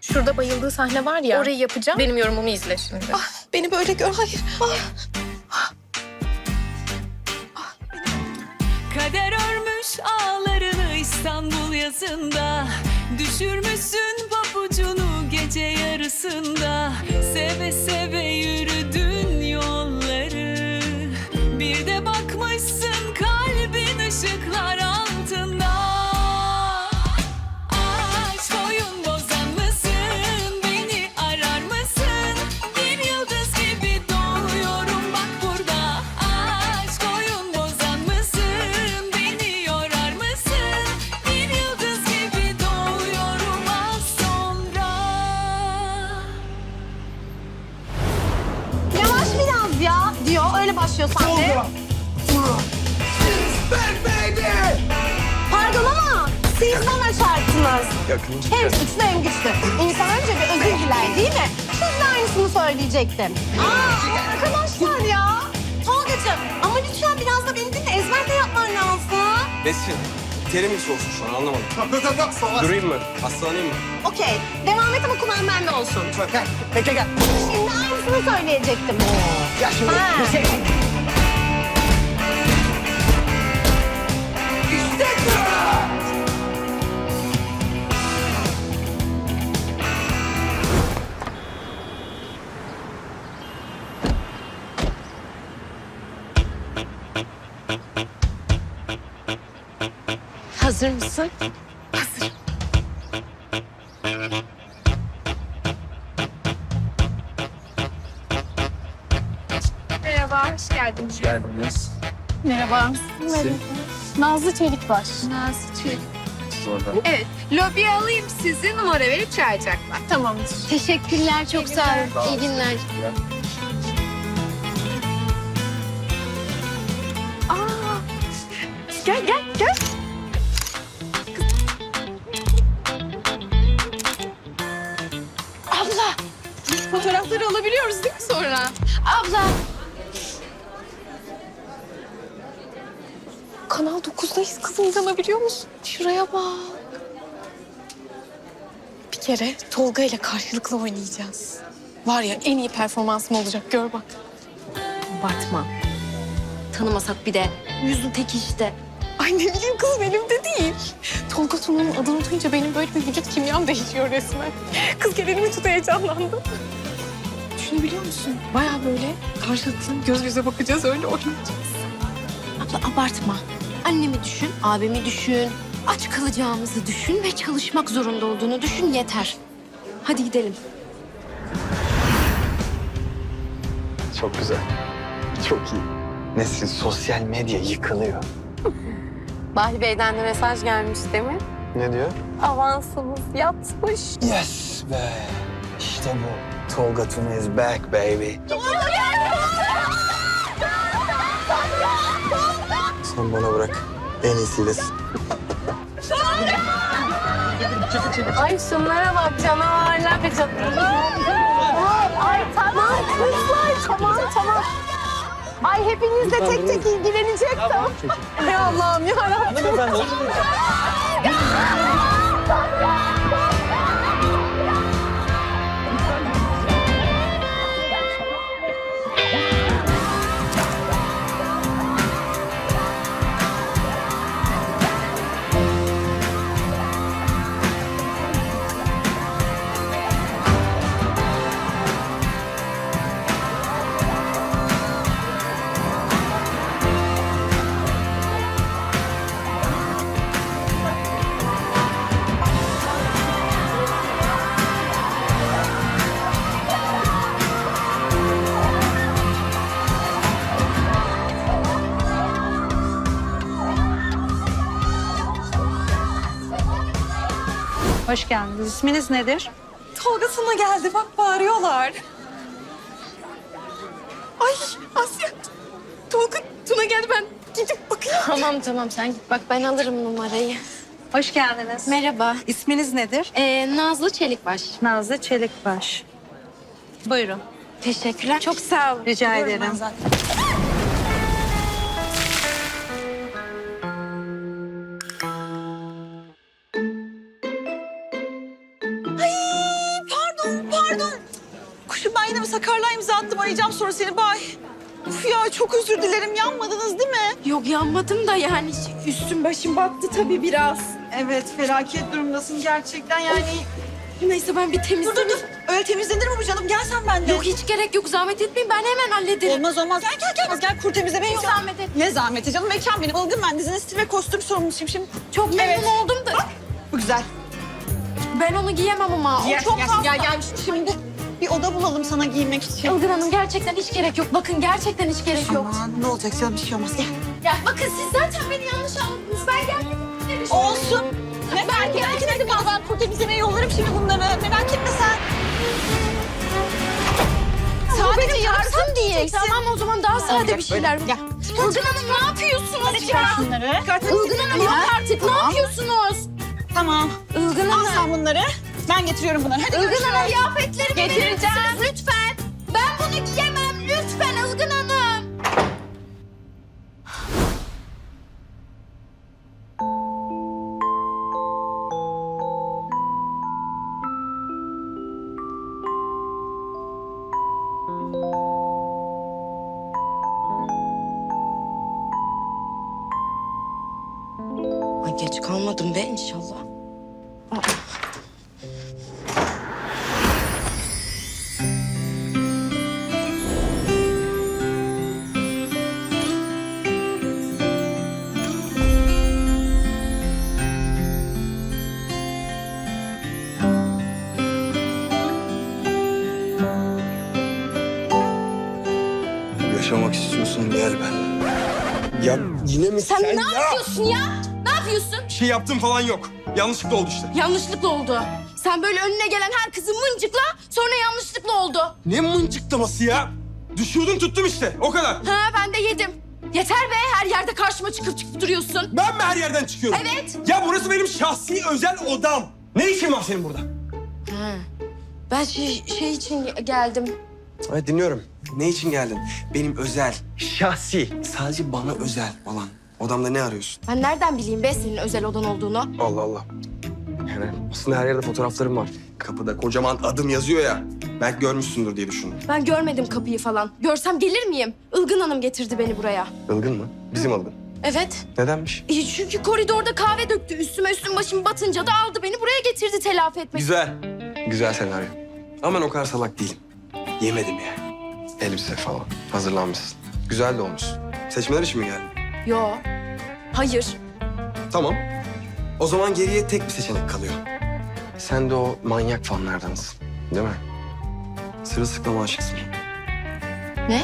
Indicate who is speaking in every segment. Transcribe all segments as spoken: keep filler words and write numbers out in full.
Speaker 1: Şurada bayıldığı sahne var ya. Orayı yapacağım. Benim yorumumu izle şimdi.
Speaker 2: Ah, beni böyle gör. Hayır. Ah.
Speaker 3: Kader örmüş ağlarını İstanbul yazında. Düşürmüşsün papucunu gece yarısında. Seve seve yürüdün yolları. Bir de bakmışsın kalbin ışıklar altında. Aşk oyun bozan mısın? Beni arar mısın? Bir yıldız gibi doğuyorum bak burada. Aşk oyun bozan mısın? Beni yorar mısın? Bir yıldız gibi doğuyorum az sonra.
Speaker 2: Yavaş biraz ya diyor. Öyle başlıyor sahne. Pardon ama siz bana çarptınız. Hem suçlu hem güçlü. İnsan önce bir özür diler değil mi? Siz de aynısını söyleyecektim. Aa, arkadaşlar ya. Tolgacığım ama lütfen biraz da beni dinle. Ezber de yapman lazım.
Speaker 4: Nesin? Terim mi soğusun şu an anlamadım. Durayım mı? Hastalanayım mı?
Speaker 2: Okey. Devam et ama kulağın bende olsun.
Speaker 5: Gel, bekle gel.
Speaker 2: Şimdi aynısını söyleyecektim.
Speaker 5: Gel şimdi.
Speaker 2: Ha.
Speaker 5: Bir şey. İşte bu!
Speaker 1: Hazır mısın? Merhaba, hoş geldiniz.
Speaker 4: Geldiniz.
Speaker 1: Merhaba.
Speaker 4: Sil.
Speaker 1: Nazlı Çelikbaş. Nazlı Çelik.
Speaker 4: Orada.
Speaker 1: Evet, lobiye alayım sizi, numara verip çağıracaklar. Tamamdır.
Speaker 6: Teşekkürler, çok sağ olun. İyi günler.
Speaker 1: Aa, gel, gel, gel. Abla, fotoğrafları alabiliyoruz değil mi sonra? Abla. Kanal dokuzdayız kızım, inanabiliyor musun? Şuraya bak. Bir kere Tolga ile karşılıklı oynayacağız. Var ya, en iyi performansım olacak, gör bak.
Speaker 6: Abartma. Tanımasak bir de. Yüzün teki işte.
Speaker 1: Ay ne bileyim kızım, elimde değil. Tolga Tuna'nın adını duyunca benim böyle bir vücut kimyam değişiyor resmen. Kız gel elimi tut, heyecanlandım. Düşünebiliyor musun? Bayağı böyle karşılıklı göz göze bakacağız, öyle oynayacağız.
Speaker 6: Abla abartma. Annemi düşün, abimi düşün. Aç kalacağımızı düşün ve çalışmak zorunda olduğunu düşün yeter. Hadi gidelim.
Speaker 4: Çok güzel. Çok iyi. Nesin sosyal medya yıkılıyor.
Speaker 7: Bahri Bey'den de mesaj gelmiş değil mi?
Speaker 4: Ne diyor?
Speaker 7: Avansımız yatmış.
Speaker 4: Yes be. İşte bu. Tolga Tuna is back baby. Sen bana bırak. En iyisiylesin.
Speaker 7: Ay şunlara bak canavarlar bir canavar. Ay tamam kızlar tamam tamam. Ay hepinizle tek tek ilgilenecek tamam. Ey Allah'ım yarabbim.
Speaker 8: Hoş geldiniz. İsminiz nedir?
Speaker 2: Tolga sana geldi. Bak bağırıyorlar. Ay Asya. Tolga Tuna geldi, ben gidip bakayım.
Speaker 6: Tamam tamam sen git bak, ben alırım numarayı.
Speaker 8: Hoş geldiniz.
Speaker 6: Merhaba.
Speaker 8: İsminiz nedir?
Speaker 6: Ee, Nazlı Çelikbaş.
Speaker 8: Nazlı Çelikbaş. Buyurun.
Speaker 6: Teşekkürler. Çok sağ olun.
Speaker 8: Rica
Speaker 2: Buyurun, ben
Speaker 8: ederim.
Speaker 2: zaten.
Speaker 9: yine bir sakarlığa imza attım. Arayacağım sonra seni. Bay. Uf ya çok özür dilerim. Yanmadınız değil mi?
Speaker 6: Yok yanmadım da yani üstüm başım battı tabii biraz.
Speaker 9: Evet felaket durumdasın gerçekten yani.
Speaker 6: Neyse ben bir
Speaker 9: Dur
Speaker 6: temizleyeyim.
Speaker 9: dur dur. Öyle temizlenir mi bu canım? Gel sen benimle.
Speaker 6: Yok hiç gerek yok zahmet etmeyin ben hemen hallederim.
Speaker 9: Olmaz olmaz. Gel gel gel. Gel kur temizlemeyi yok.
Speaker 6: Zahmet et.
Speaker 9: Ne zahmeti canım? Mekan benim. Ilgın ben. Dizinin stil ve kostüm sorumlusuyum şimdi.
Speaker 6: Çok memnun
Speaker 9: Evet.
Speaker 6: oldum da
Speaker 9: Bu güzel.
Speaker 6: ben onu giyemem ama o
Speaker 9: Gel,
Speaker 6: çok
Speaker 9: gel,
Speaker 6: fazla.
Speaker 9: gel, gel. Şimdi bir oda bulalım sana giymek için.
Speaker 6: Ilgın Hanım gerçekten hiç gerek yok. Bakın gerçekten hiç gerek yok.
Speaker 9: Aman ne olacak canım bir şey olmaz. Gel.
Speaker 6: Ya bakın siz zaten beni yanlış anladınız. Ben gelmedim.
Speaker 9: Olsun. Ne ben belki dedim ya ben kur temizlemeye yollarım şimdi bunları. Merak etme sen.
Speaker 6: Sadece yarısın diye. Tamam o zaman daha sade bir şeyler.
Speaker 9: Gel.
Speaker 6: Ilgın Hanım ne yapıyorsunuz ya?
Speaker 9: Şunları.
Speaker 6: Ilgın Hanım yok artık. Ne yapıyorsunuz?
Speaker 9: Tamam.
Speaker 6: Ilgın
Speaker 9: Al
Speaker 6: Hanım.
Speaker 9: sen bunları. Ben getiriyorum bunları. Hadi
Speaker 6: Ilgın
Speaker 9: görüşürüz.
Speaker 6: Hanım kıyafetlerimi verir
Speaker 9: Getireceğim.
Speaker 6: misiniz lütfen? Ben bunu giyemem lütfen Ilgın Hanım. Ay geç kalmadım be inşallah. Aa.
Speaker 4: Yaşamak istiyorsun gel ben. Ya yine mi sen,
Speaker 6: Sen ne
Speaker 4: ya?
Speaker 6: yapıyorsun ya? Ne yapıyorsun?
Speaker 10: Bir şey yaptım falan yok. Yanlışlıkla oldu işte.
Speaker 6: Yanlışlıkla oldu. Sen böyle önüne gelen her kızı mıncıkla sonra yanlışlıkla oldu.
Speaker 10: Ne mıncıklaması ya? Düşüyordun tuttum işte. O kadar.
Speaker 6: Ha ben de yedim. Yeter be her yerde karşıma çıkıp çıkıp duruyorsun.
Speaker 10: Ben mi her yerden çıkıyorum?
Speaker 6: Evet.
Speaker 10: Ya burası benim şahsi özel odam. Ne işin var senin burada?
Speaker 6: Ha. Ben şey, şey için geldim.
Speaker 11: Evet dinliyorum. Ne için geldin? Benim özel, şahsi, sadece bana özel olan odamda ne arıyorsun?
Speaker 6: Ben nereden bileyim be senin özel odan olduğunu?
Speaker 11: Allah Allah. Yani aslında her yerde fotoğraflarım var. Kapıda kocaman adım yazıyor ya. Belki görmüşsündür diye düşündüm.
Speaker 6: Ben görmedim kapıyı falan. Görsem gelir miyim? Ilgın Hanım getirdi beni buraya.
Speaker 11: Ilgın mı? Bizim Ilgın.
Speaker 6: Evet.
Speaker 11: Nedenmiş?
Speaker 6: E, çünkü koridorda kahve döktü. Üstüme üstüm başım batınca da aldı beni buraya getirdi telafi etmek.
Speaker 11: Güzel. Güzel senaryo. Ama ben o kadar salak değilim. Yemedim yani. Elbise falan. Hazırlanmışsın. Güzel de olmuş. Seçmeler için mi geldin?
Speaker 6: Yo. Hayır.
Speaker 11: Tamam. O zaman geriye tek bir seçenek kalıyor. Sen de o manyak fanlardansın. Değil mi? Sırılsıklama aşıksın.
Speaker 6: Ne?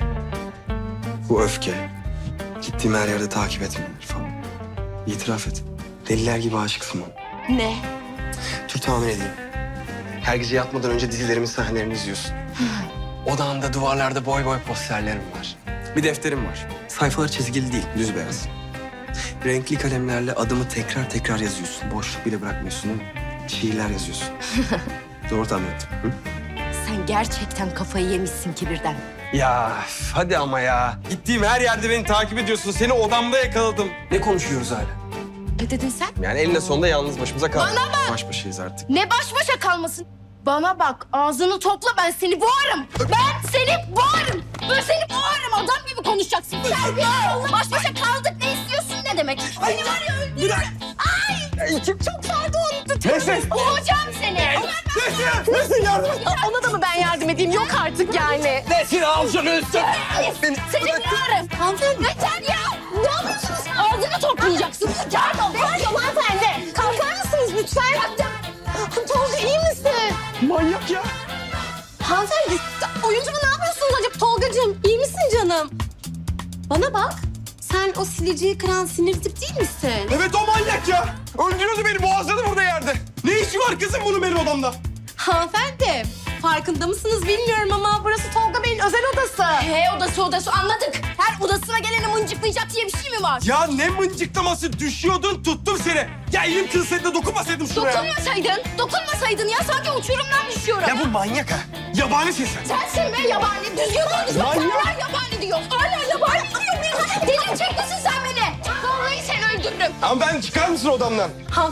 Speaker 11: Bu öfke. Gittiğim her yerde takip etmeler falan. İtiraf et. Deliler gibi aşıksın bana.
Speaker 6: Ne?
Speaker 11: Dur tahmin edeyim. Her gece yatmadan önce dizilerimin sahnelerini izliyorsun. Odağımda duvarlarda boy boy posterlerim var. Bir defterim var. Sayfalar çizgili değil, düz beyaz. Renkli kalemlerle adımı tekrar tekrar yazıyorsun. Boşluk bile bırakmıyorsun değil mi? Şiirler yazıyorsun. Doğru tahmin ettim. Hı?
Speaker 6: Sen gerçekten kafayı yemişsin kibirden.
Speaker 10: Ya hadi ama ya. Gittiğim her yerde beni takip ediyorsun. Seni odamda yakaladım.
Speaker 11: Ne konuşuyoruz hala?
Speaker 6: Ne dedin sen?
Speaker 11: Yani eninde sonunda yalnız başımıza kaldık. Baş başayız artık.
Speaker 6: Ne baş başa kalmasın? Bana bak ağzını topla ben seni boğarım. Ben seni boğarım. Ben seni boğarım adam gibi konuşacaksın. Terbiyesiz ol. Baş başa kaldık ne istiyorsun ne demek? Seni var ya öldürürüm. Ay çok, çok pardon.
Speaker 10: Neyse.
Speaker 6: Boğacağım seni.
Speaker 10: Nesin? Nesin yardım et.
Speaker 1: Ona da mı ben yardım edeyim? Yok artık yani.
Speaker 10: Nesin al şunu üstüne.
Speaker 6: Seni boğarım. Hanımefendi. Yeter ya. Ne yapıyorsunuz? Ağzını toplayacaksın. Pardon. Pardon hanımefendi. Kalkar mısınız lütfen? Tolga iyi misin?
Speaker 10: Manyak ya.
Speaker 2: Hanımefendi, oyuncu mu ne yapıyorsunuz acaba? Tolgacığım, iyi misin canım? Bana bak, sen o sileceği kıran sinir tip değil misin?
Speaker 10: Evet o manyak ya. Öldürüyordu beni boğazladı burada yerde. Ne işi var kızım bunun benim odamda?
Speaker 2: Hanımefendi, farkında mısınız bilmiyorum ama burası Tolga Bey'in özel odası.
Speaker 6: He odası odası anladık. Her odasına geleni mıncıklayacak diye bir şey mi var?
Speaker 10: Ya ne mıncıklaması düşüyordun tuttum seni. Ya elim kılsaydı da dokunmasaydım şuraya.
Speaker 6: Dokunmasaydın, dokunmasaydın ya sanki uçurumdan düşüyorum.
Speaker 10: Ya bu manyak ha. Yabanisin sen.
Speaker 6: Sensin be yabani, düzgün konuş. Hala yabani diyor, hala yabani diyor. Bir delirecek misin sen beni? Vallahi seni öldürürüm.
Speaker 10: Ama ben çıkar mısın odamdan?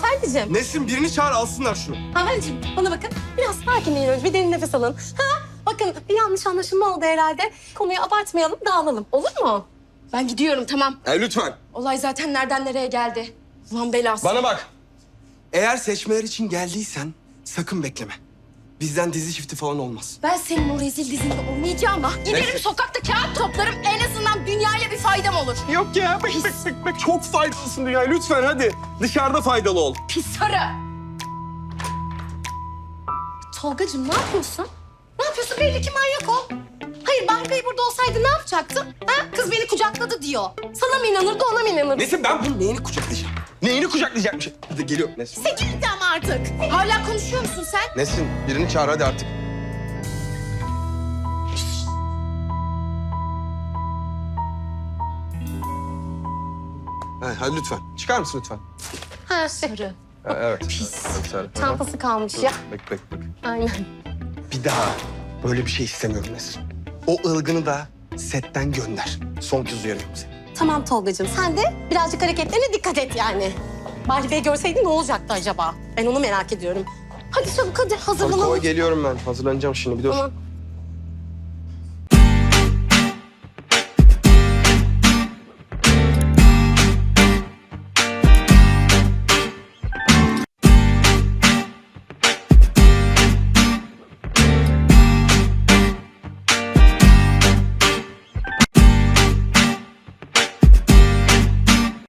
Speaker 2: Hanımefendiciğim,
Speaker 10: Nesin birini çağır alsınlar şunu.
Speaker 2: hanımefendiciğim bana bakın. Biraz sakinleyin önce, bir derin nefes alın. Ha? Bak bakın bir yanlış anlaşılma oldu herhalde. Konuyu abartmayalım, dağılalım. Olur mu?
Speaker 6: Ben gidiyorum tamam.
Speaker 10: Ya lütfen.
Speaker 6: Olay zaten nereden nereye geldi. Ulan belası.
Speaker 10: Bana bak. Eğer seçmeler için geldiysen sakın bekleme. Bizden dizi çifti falan olmaz.
Speaker 6: Ben senin o rezil dizinde oynayacağım ha. Giderim
Speaker 10: Neyse.
Speaker 6: sokakta kağıt toplarım. En azından dünyaya bir faydam olur.
Speaker 10: Yok ya. Bek, bek, bek, bek. Çok faydalısın dünya. Lütfen hadi. Dışarıda faydalı ol.
Speaker 6: Pis sarı.
Speaker 2: Tolgacığım ne yapıyorsun? Ne yapıyorsun? Belli ki manyak o. Hayır Bahri Bey burada olsaydı ne yapacaktın? Ha? Kız beni kucakladı diyor. Sana mı inanırdı, ona mı inanırdı?
Speaker 10: Nesin ben bunun neyini kucaklayacağım? Neyini kucaklayacakmış? Hadi geliyor Nesin.
Speaker 2: Sekiz ama artık.
Speaker 6: Hala konuşuyor musun sen?
Speaker 10: Nesin birini çağır hadi artık. Ha, hadi lütfen. Çıkar mısın lütfen?
Speaker 2: Ha,
Speaker 6: Sarı.
Speaker 10: Ha, evet. Pis.
Speaker 2: çantası kalmış ya.
Speaker 10: Bek bek bek.
Speaker 2: Aynen.
Speaker 10: Bir daha böyle bir şey istemiyorum Nesin. O ılgını da setten gönder. Son kez uyarıyorum seni.
Speaker 2: Tamam Tolgacığım, sen de birazcık hareketlerine dikkat et yani. Bahri Bey görseydi ne olacaktı acaba? Ben onu merak ediyorum. Hadi çabuk hadi
Speaker 10: Hadi
Speaker 2: hazırlanalım.
Speaker 10: koy geliyorum ben. Hazırlanacağım şimdi bir dur.
Speaker 2: Tamam.